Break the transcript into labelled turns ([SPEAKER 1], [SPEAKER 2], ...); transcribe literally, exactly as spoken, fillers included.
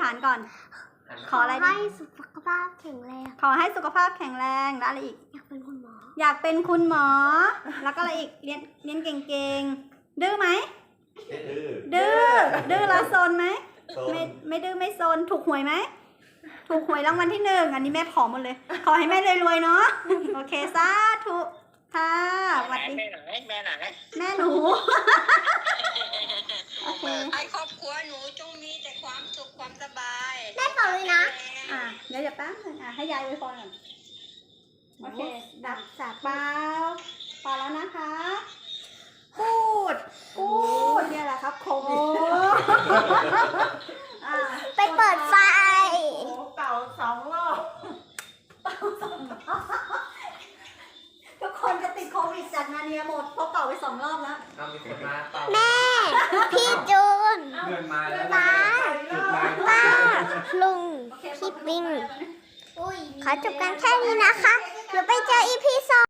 [SPEAKER 1] านก่อน ขออะไรดี
[SPEAKER 2] ให้สุขภาพแข็งแรง
[SPEAKER 1] ขอให้สุขภาพแข็งแรงแล้วอะไรอีก
[SPEAKER 2] อยากเป็นคุณหมอ
[SPEAKER 1] อยากเป็นคุณหมอ แล้วก็อะไรอีก เรียนเรียนเก่งๆ ดื้อไหม
[SPEAKER 3] ดื้อ
[SPEAKER 1] ดื้อ ดื้อแล้วโซนไหม
[SPEAKER 3] โซน
[SPEAKER 1] ไม่ไม่ดื้อไม่โซน ถูกหวยไหม ถูกหวยรางวัลที่หนึ่ง อันนี้แม่ขอหมดเลย ขอให้แม่รวยๆเนาะ โอเคสาธุค่ะสวัสดี
[SPEAKER 4] แม่ไหนแม่ไหน
[SPEAKER 1] แม่หนู โอเค
[SPEAKER 4] ให้ครอบครัวหนูจงมีแต่ความสุขความสบาย
[SPEAKER 2] ได้เปล่าเลยนะ
[SPEAKER 1] อ่ะเดี๋ยวเดี๋ยวแป๊บนึงอ่ะให้ยายอวยพรก่อน โอเค ดับสาเปล่าเปล่าแล้วนะคะ พูด พูดเนี่ยแหละครับโควิดอ่ะ
[SPEAKER 2] ไปเปิดไฟ
[SPEAKER 5] โอ้เป่าสองรอบ
[SPEAKER 1] ทุกคนจะติดโควิดจากนาเนียหมดเพราะเป่าไปสองรอบแล้ว
[SPEAKER 3] เอามีคนมาเป่า
[SPEAKER 2] แม่ พี่จูน
[SPEAKER 3] เพื่อนมาแล้ว
[SPEAKER 2] ป้า
[SPEAKER 3] จุดไม้
[SPEAKER 2] ป้า ลุง
[SPEAKER 1] โอเค
[SPEAKER 2] พี่ปิง
[SPEAKER 1] อุ้ย
[SPEAKER 2] ขอจบกันแค่นี้นะคะเดี๋ยวไปเจออีพีสอง